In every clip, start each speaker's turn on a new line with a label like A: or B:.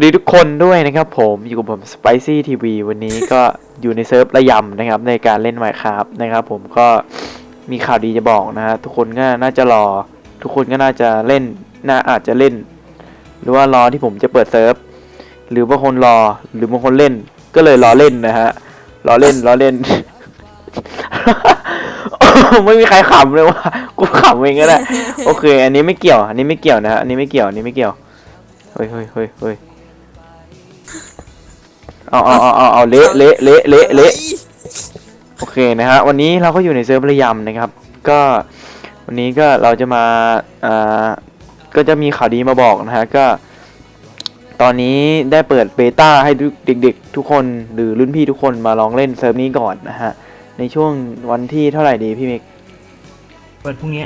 A: ดีทุกคนด้วยนะครับผมอยู่กับผม Spicy TV วันนี้ก็อยู่ในเซิร์ฟระยำนะครับในการเล่น Minecraft นะครับผมก็มีข่าวดีจะบอกนะฮะทุกคนก็น่าจะรอทุกคนก็น่าจะเล่นอาจจะเล่นหรือว่ารอที่ผมจะเปิดเซิร์ฟหรือบางคนรอหรือบางคนเล่นก็เลยรอเล่นนะฮะรอเล่น ไม่มีใครขำเลยว่ะกูขำเองก็ได้โอเคอันนี้ไม่เกี่ยวนะฮะอันนี้ไม่เกี่ยวเฮ้ยเอาเละโอเคนะฮะวันนี้เราก็อยู่ในเซิร์ฟระยำนะครับก็วันนี้ก็เราจะมาก็จะมีข่าวดีมาบอกนะฮะก็ตอนนี้ได้เปิดเบต้าให้เด็กๆทุกคนหรือรุ่นพี่ทุกคนมาลองเล่นเซิร์ฟนี้ก่อนนะฮะในช่วงวันที่เท่าไหร่ดีพี่มิก
B: เปิดพรุ่งนี้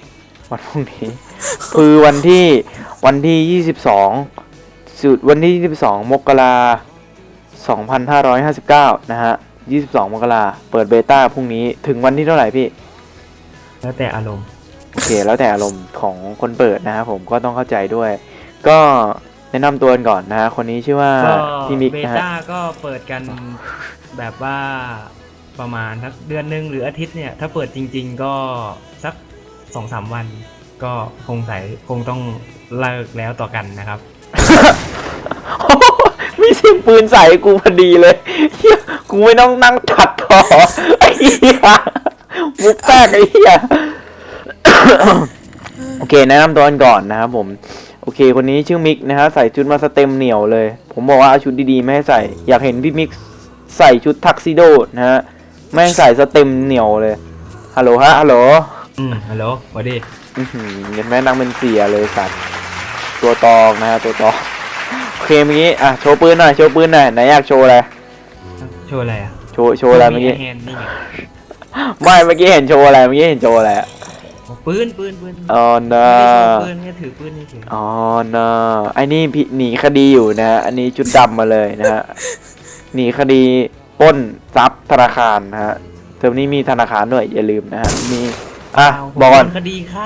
A: คือวันที่22สุดวันที่22มกราคม2559นะฮะ22มกราเปิดเบต้าพรุ่งนี้ถึงวันที่เท่าไหร่พี่
B: แล้วแต่อารมณ์
A: โอเคแล้วแต่อารมณ์ของคนเปิดนะฮะผมก็ต้องเข้าใจด้วยก็แนะนำตัวกันก่อนนะฮะคนนี้ชื่อว่าพี่มิกนะฮะ
B: เบต้าก็เปิดกันแบบว่าประมาณสักเดือนนึงหรืออาทิตย์เนี่ยถ้าเปิดจริงๆก็สัก 2-3 วันก็คงต้องเลิกแล้วต่อกันนะครับ
A: มีเสียงปืนใส่กูพอดีเลยกูไม่ต้องนั่งตัดต่อไอ้เหี้ยมุกแตกไอ้เหี้ยโอเคแนะนำตัวกันก่อนนะครับผมโอเคคนนี้ชื่อมิกนะฮะใส่ชุดมาสเต็มเหนียวเลยผมบอกว่าเอาชุดดีๆไม่ให้ใส่อยากเห็นพี่มิกใส่ชุดทักซิโดนะฮะแม่งใส่สเต็มเหนียวเลยฮัลโหลฮัลโหล
B: ฮัลโหลสวัสดี
A: เห็นแม่นั่งเป็นเสียเลยสัตว์ตัวตองนะฮะตัวตองโอเคเมื่อกี้อ่ะโชว์ปืนหน่อยไหนอยากโชว์อะไร
B: โชว์อะไรอ่ะ
A: โชว์อะไรเมื่อกี้ไม่เมื่อกี้เห็นโชว์อะไร
B: ปืน
A: อ๋อนะ
B: ปืนเนี่ยถือปืนนี่ถือ
A: อ๋อนะไอ้นี่หนีคดีอยู่นะอันนี้ชุดดำมาเลยนะฮะหนีคดีปล้นทรัพย์ธนาคารนะฮะเทอมนี้มีธนาคารด้วยอย่าลืมนะฮะมีบอกก่อน
B: คดีฆ่า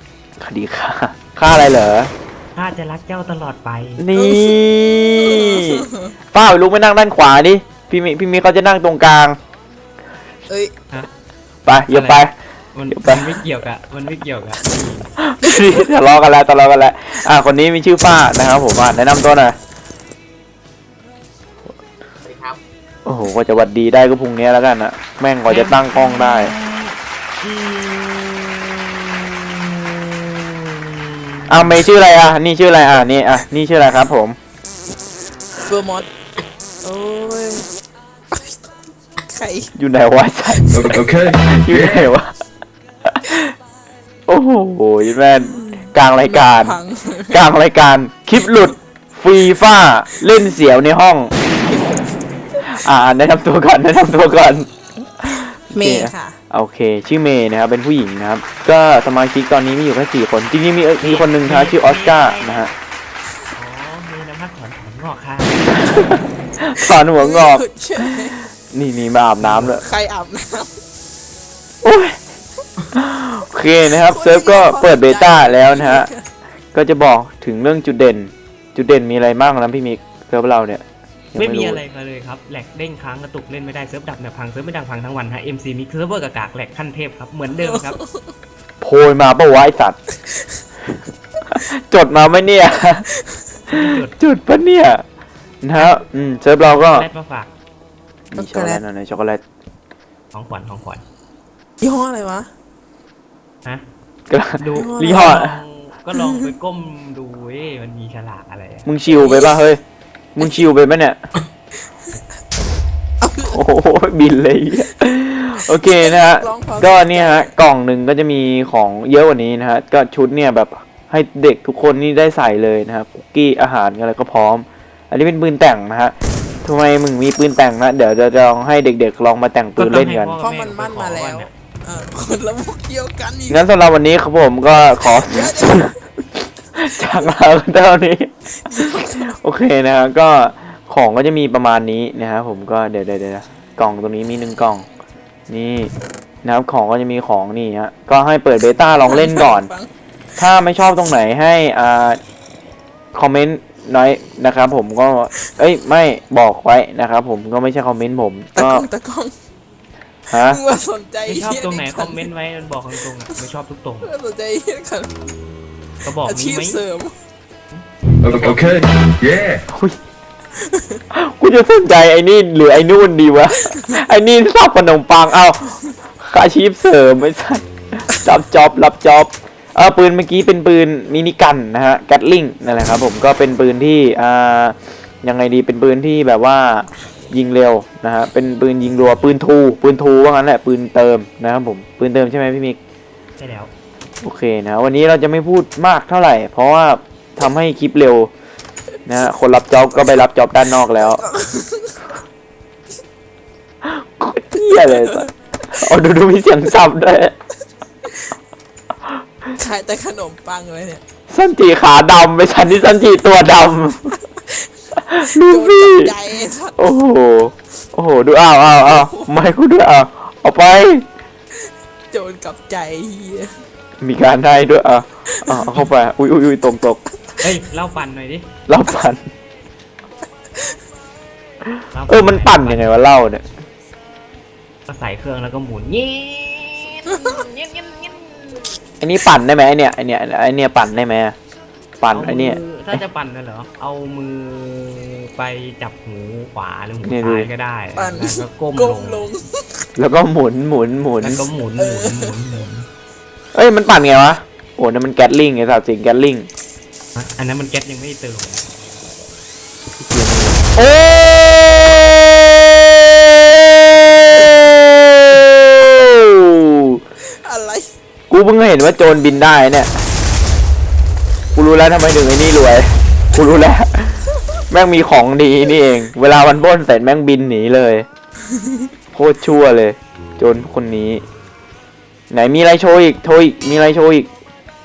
A: อะไรเหรอ
B: ข้าจะรักเจ้าตลอดไป
A: นี่ป้าลุกไปนั่งด้านขวาดิพี่มีเขาจะนั่งตรงกลางไปอย่าไป
B: มันไม่เกี่ยวกับ
A: ทะเลาะกันแล้วคนนี้มีชื่อฟ้านะครับผมแนะนำตัวหน่อย
B: สวัสดีครับ
A: โอ้โหก็จะวัดดีได้ก็พรุ่งนี้แล้วกันนะแม่งกว่าจะตั้งกล้องได้เมย์ชื่ออะไรนี่ชื่ออะไรนี่ชื่ออะไรครับผม
C: เฟอร์มอสโอ้ยใคร
A: อยู่ไหนวะโอเคอยู่ไหนวะโอ้โหแม่นกลางรายการคลิปหลุดฟีฟ่าเล่นเสียวในห้องแนะนำตัวก่อน
C: เมย์ค่ะ
A: โอเคชื่อเมย์นะครับเป็นผู้หญิงนะครับก็สมาชิกตอนนี้มีอยู่แค่4คนจริงๆมีคนหนึ่งนะชื่อออสการ์นะฮะ
B: มีน้ำพักถอนงอกค่ะ
A: ถอนหัวงอกนี่มาอาบน้ำเลย
C: ใครอาบน้ำ
A: โอเคนะครับเซิร์ฟก็เปิดเบต้าแล้วนะฮะก็จะบอกถึงเรื่องจุดเด่นมีอะไรบ้างนะพี่มิกเซิร์ฟเราเนี่ย
B: ไม่มีอะไรเลยครับแหลกเด้งค้างกระตุกเล่นไม่ได้เซิร์ฟดับเนี่ยพังเซิร์ฟไม่ดังพังทั้งวันฮะ MC Mix เซิร์ฟเวอร์กากแหลกขั้นเทพครับเหมือนเดิมครับ
A: โพยมาปะวะไอสัตว์จดมาไหมเนี่ยจุดปะเนี่ยนะฮะเซิร์ฟเราก็
B: แรดมาฝาก
A: มีช็อกโกแลตหน่อยช็อกโกแลต
B: ของขวัญ
C: ยี่ห้ออะไรวะ
B: ดู
A: ยี่ห้อ
B: ก็ลองไปก้มดูมันมีฉลากอะไร
A: มึงชิวไปป่ะเฮ้ยมึงชิวไปไหมเนี่ยโอ้โหบินเลยโอเคนะฮะก็เนี่ยฮะกล่องหนึ่งก็จะมีของเยอะกว่านี้นะฮะก็ชุดเนี่ยแบบให้เด็กทุกคนนี่ได้ใส่เลยนะฮะคุกกี้อาหารอะไรก็พร้อมอันนี้เป็นปืนแต่งนะฮะทำไมมึงมีปืนแต่งนะเดี๋ยวจะลองให้เด็กๆลองมาแต่งปืนเล่นกัน
C: เพราะมันมั่นมาแล้วคนละมุกเดียวกันอีก
A: งั้นสำหรับวันนี้ครับผมก็ขอจากลาเท่านี้โอเคนะฮะก็ของก็จะมีประมาณนี้นะครับผมก็เดี๋ยวกล่องตรงนี้มี1กล่องนี่นะครับของก็จะมีของนี่ฮะก็ให้เปิดเบต้าลองเล่นก่อนถ้าไม่ชอบตรงไหนให้คอมเมนต์น้อยนะครับผมก็เอ้ยไม่บอกไว้นะครับผมก็ไม่ใช่คอมเมนต์ผม
C: ตะ
A: ก็
C: กล้องตะกล้อง
A: ฮะ
C: มึงมาสนใจ
B: ไม่ชอบตรงไหน
C: เย
B: คอมเมนต์ไว้มันบอกตรงๆอะไม่ชอบทุกตรง
C: มึงมาสนใจเหี้ยกัน
B: ก็บอก
C: อา
B: มี
C: ชีพ
B: ไหม
C: เสริม
D: Okay. Yeah.
A: กูจะสนใจไอ้นี่หรือไอ้นู่นดีวะ ไอ้นี่ชอบขนมปังเอ้าอาชีพเสริมไม่ใช่รับจ็อบปืนเมื่อกี้เป็นปืนมินิกันนะฮะแกตลิงนั่นแหละครับผมก็เป็นปืนที่ยังไงดีเป็นปืนที่แบบว่ายิงเร็วนะฮะเป็นปืนยิงรัวปืนทูว่างั้นแหละปืนเติมนะครับผมปืนเติมใช่ไหมพี่มิก
B: ใช่แล้ว
A: โอเคนะวันนี้เราจะไม่พูดมากเท่าไหร่ เพราะว่าทำให้คลิปเร็วนะฮะคนรับจ็อบก็ไปรับจ็อบด้านนอกแล้วโคตรเหี้ยเลยสัสเอาดูมีเสียงซับด้วย
C: ขายแต่ขนมปังเลยเนี่ย
A: สันจีขาดำไปฉันที่สันจีตัวดำลู
C: โดน
A: ฟี่
C: จับใจไอ้สัตว์
A: โอ้โหดูอ้าวไม่กูด้วยเอาไป
C: โจรกับใจเฮีย
A: มีการได้ด้วยเอาเข้าไปอุ้ยตก
B: เฮ้ยเล่าปั่นหน่อยดิ
A: เล่าปั่น
B: เล่า
A: มันปั่นยังไงวะเล่าเนี่ย
B: ก็ใส่เครื่องแล้วก็หมุนเงี้ย
A: อันนี้ปั่นได้ไหมไอเนี่ยปั่นได้ไหมปั่นไอเนี่ย
B: ถ้าจะปั่นน่ะเหรอเอามือไปจับหูขวาหรือหู
A: เนี่ยดู
B: ซ้ายก็ได้
C: ปั่น
B: แล้วก็ก้ม
C: ก้
B: ล
C: ม
B: ง
C: ลง
A: แล้วก็หมุน
B: แล้วก็หมุน
A: เอ้ยมันปั่นไงวะโอ้นั่นมันแกตลิงไอ้สัตว์สิงแกตลิง
B: อันนั้นมันแก๊สยังไม่ได้เติม
A: โอ้
C: อะไร
A: กูเพิ่งเห็นว่าโจรบินได้เนี่ยกูรู้แล้วทำไมถึงไอ้นี่รวยกูรู้แล้วแม่งมีของดีนี่เองเวลามันปล้นเสร็จแม่งบินหนีเลยโคตรชั่วเลยโจรคนนี้ไหนมีอะไรโชว์อีกมีอะไรโชว์อีก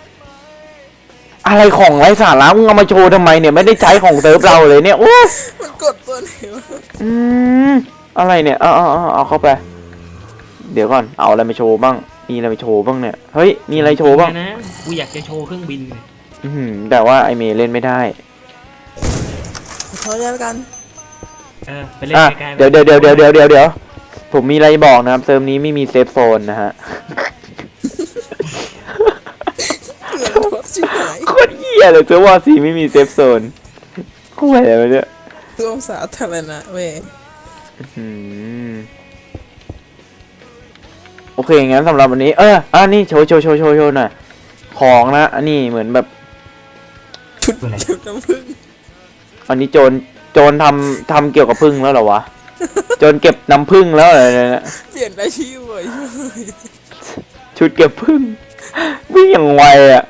A: อะไรของไร้สาระมึงเอามาโชว์ทำไมเนี่ยไม่ได้ใช้ของเซิร์ฟเราเลยเนี่ยโอ้
C: มันกดตัวไหนวะ
A: อะไรเนี่ยเอาเข้าไป เดี๋ยวก่อนเอาอะไรมาโชว์บ้างมีอะไรมาโชว์บ้างเนี่ยเฮ้ยมีอะไรโชว์บ้าง
B: นะกูอยากจะโชว์เครื่องบินเนี่ย
A: แต่ว่าไอเมย์เล่นไม่ได้
C: ขอแล้วกัน
B: ไปเล่นใกล้ๆ
A: เดี๋ยวผมมีอะไรบอกนะครับเซิร์ฟนี้ไม่มีเซฟโซนนะฮะ
C: เงินทดชิบหาย
A: โคตรเหี้ยเลยเซิร์ฟวอร์ซีไม่มีเซฟโซนโคตรอะไรวะเนี่ย
C: ร่วมสาธารณะเว้ย
A: โอเคงั้นสำหรับวันนี้นี่โชว์หน่อยของนะอันนี้เหมือนแบบ
C: ชุดเก็บน้ำผึ้ง
A: อันนี้โจรทำเกี่ยวกับพึ่งแล้วเหรอวะ โจรเก็บน้ำพึ่งแล้วเหรอเนี่ย
C: เปลี่ยนอาชีพเว้ย
A: ชุดเก็บพึ่งวิ่งอย่างไวอ่ะ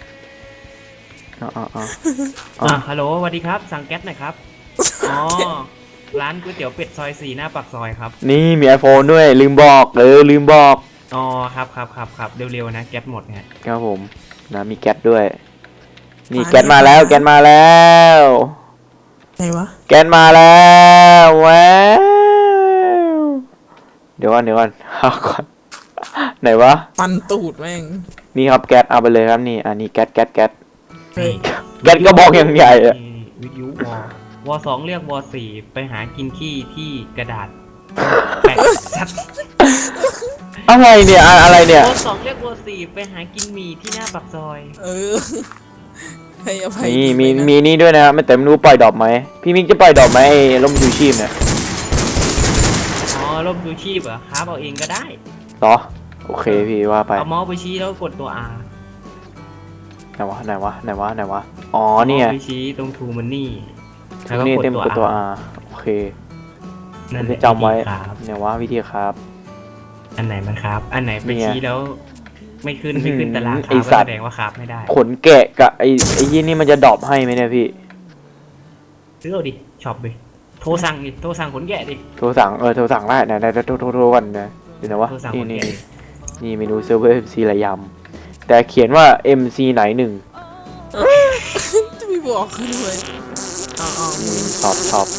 B: ฮัลโหลสวัสดีครับสั่งแก๊สหน่อยครับอ๋อร้านก๋วยเตี๋ยวเป็ดซอย4หน้าปากซอยครับ
A: นี่มี iPhone ด้วยลืมบอก
B: อ๋อครับเร็วๆนะแก๊สหมดฮะ
A: ครับผมนะมีแก๊สด้วยนี่แก๊สมาแล้ว
C: ไหนวะ
A: แก๊สมาแล้วว้าวเดี๋ยวก่อนเอาก่อนไหนวะ
C: ปันตูดแม่ง
A: นี่ครับแก๊สเอาไปเลยครับนี่อันนี้แก๊ส
C: เฮ้ย
A: แก๊สก็บอกอย่างใหญ่อะ
B: วิทยุว2เรียกว4ไปหากินขี้ที่กระดาษแปะชัด
A: อะไรเนี่ยว
B: 2เรียกว4ไปหากินหมี่ที่หน้าปากซอย
C: ให้อภัย
A: นี่
C: ดีไห
A: มีนี่ด้วยนะครับไม่แต่ไม่รู้ปล่อยดอกไหมพี่มิกจะปล่อยดอกไหมไอ้ร่มชูชีพเนี่ย
B: อ๋อร่มชูชีพเหรอครับเอาเองก็ได้
A: เหรอโอเคพี่ว่าไป
B: เอาเมาส์ไปชี้แล้วกดตัว R
A: ไหนวะอ๋อเนี่ย
B: อาไปชี้ตรงทูมันนี่แล้วก็
A: นี่
B: กด
A: เต็ม
B: ตัว
A: กดตัว
B: R
A: R โอเค
B: นั่นแห
A: จะ
B: ละ
A: จำไว้
B: วิธีครับ
A: เนี่ยวะวิธีครับ
B: อันไหนมันครับ อันไหนไป
A: เนี่ย
B: ชี้แล้ว ไม่ขึ้นตารางค
A: ไอ้
B: รับ
A: สั
B: ก็
A: ตว์
B: แสดงว่าครับไม่ได้
A: ขนแกะกับไอ้ยี่นี่มันจะดรอปให้ไหมเนี่ยพี่
B: ซื้อเอาดิช็อปดิโทรสั่งขนแกะดิ
A: โทรสั่งได้นะได้โทรก่อนนะเดี๋ยวนะวะ
B: โทรสั่ง
A: นี่
B: คน
A: นี่
B: แก่
A: นี่เมนูเซิร์ฟเวอร์ MC ระยำแต่เขียนว่า MC ไหนหนึ่ง
C: จะไม่บอกเขาด้วยเอามึง
A: ตอบ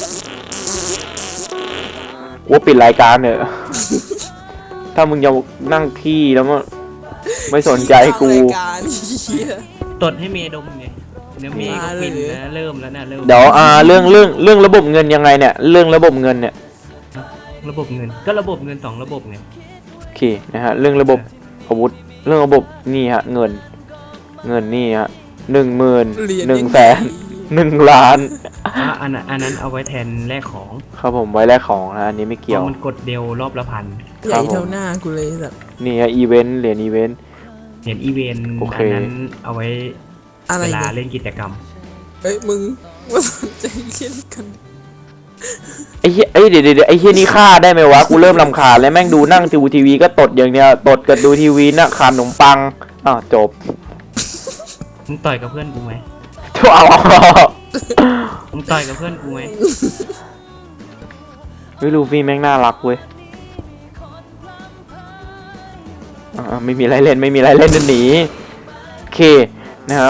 A: ว่าปิดรายการเนี่ย ถ้ามึงจะนั่งขี้แล้วก็ไม่สนใจกู
C: รายการเหี้ย
B: ตดให้เมย์ดมไงเดี๋ยวเมย์ก็ฟินนะเริ่มแล้วนะเริ่ม
A: เดี๋ยวเรื่องระบบเงินยังไงเนี่ยเรื่องระบบเงินเนี่ย
B: ระบบเงินก็ระบบเงิน2ระบบไง
A: โอเคนะฮะเรื่องระบบอาวุธเรื่องระบบนี่ฮะเงินนี่ฮะ10,000 100,000 1,000,000
B: อันนั้นเอาไว้แทนแลกของ
A: ครับผมไว้แลกของนะอันนี้ไม่
B: เพ
A: เกี่ยว
B: ราะมันกดเดียวรอบละพัน
C: ใหญ่เท่าหน้ากูเลยแบบ
A: นี่ฮะอีเวนต์เหรียญอีเวนต์
B: เห็นอีเวนต์
A: โอเค
B: อันนั้นเอาไว้
C: อะไร
B: เวลา
C: เนี่ย
B: เล่นกิจกรรม
C: เอ้ยมึงมาสนใจเล่นกัน
A: ไอ้เหี้ยเดี๋ยวไอ้เหี้ยนี่ฆ่าได้ไหมวะกูเริ่มรำคาญแล้วแม่งดูนั่งดูทีวีก็ตดอย่างเดียวตดกับดูทีวีน่ะขาดขนมปังจบ
B: มึงต่อยกับเพื่อนกูไหม
A: ทั่วเอา
B: มึงต่อยกับเพื่อนกูไหม
A: เฮ้ยลูฟี่แม่งน่ารักเว้ยไม่มีอะไรเล่นเดินหนีโอเคนะครับ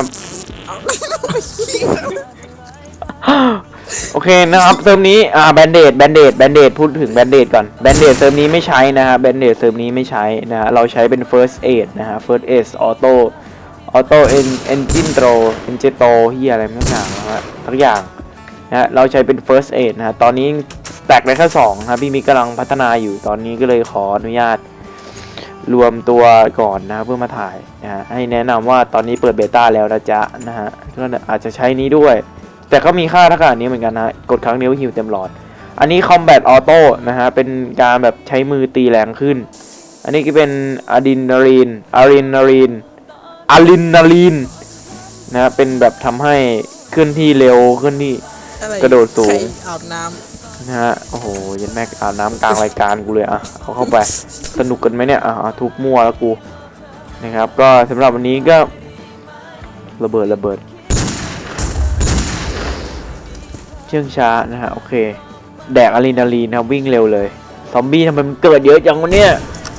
A: โอเคนะครับเซิร์ฟนี้แบนเดดพูดถึงแบนเดดก่อนแบนเดดเซิร์ฟนี้ไม่ใช้นะฮะแบนเดดเซิร์ฟนี้ไม่ใช้นะฮะเราใช้เป็น first aid นะฮะ first aid auto engine throw engine throw เฮียอะไรไม่ต่างนะฮะทุกอย่างนะฮะเราใช้เป็น first aid นะฮะตอนนี้แตกได้แค่2นะครับพี่มิกกำลังพัฒนาอยู่ตอนนี้ก็เลยขออนุญาตรวมตัวก่อนนะเพื่อมาถ่ายนะฮะให้แนะนำว่าตอนนี้เปิดเบต้าแล้วนะจ๊ะนะฮะก็อาจจะใช้นี้ด้วยแต่ก็มีค่าเท่ากับอันนี้เหมือนกันนะกดครั้งเดียวฮิวเต็มหลอดอันนี้ combat auto นะฮะเป็นการแบบใช้มือตีแรงขึ้นอันนี้ก็เป็นอะดรีนาลีนนะฮะเป็นแบบทำให้ขึ้นที่เร็วขึ้นที่
C: อะไร
A: กระโดดสูง
C: ใครอาบน้
A: นะฮะโอ้โหยันแม็กอาบน้ำกลางรายการกูเลยเอาเข้าไปสนุกกันไหมเนี่ยทุบมั่วแล้วกูนะครับก็สำหรับวันนี้ก็ระเบิดเชื่องช้านะฮะโอเคแดกอะดรีนาลีนครับวิ่งเร็วเลยซอมบี้ทำไมมันเกิดเยอะจังวะเนี่ย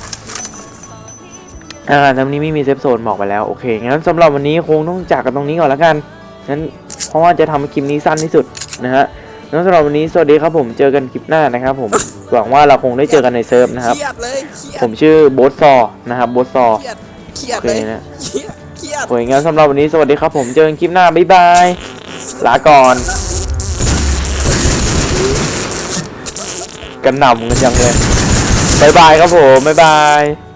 A: ตอนนี้ไม่มีเซฟโซนบอกไปแล้วโอเคงั้นสำหรับวันนี้คงต้องจากกันตรงนี้ก่อนแล้วกันงั้นเพราะว่าจะทำคลิปนี้สั้นที่สุดนะฮะงั้นสำหรับวันนี้สวัสดีครับผมเจอกันคลิปหน้านะครับผม หวังว่าเราคงได้เจอกันในเซิร์ฟ
C: ำ
A: นะครับ
C: เครียดเลยเครียด
A: ผมชื่อโบสซอนะครับโบสซอ
C: เครียด
A: โอ
C: เล
A: เค
C: ย
A: นะ
C: เครียด
A: โอเคงั้นสำหรับวันนี้สวัสดีครับผมเจอกันคลิปหน้าบ๊ายบายลาก่อนกันหน่ำกันยังเลยบ๊ายบายครับผมบ๊ายบาย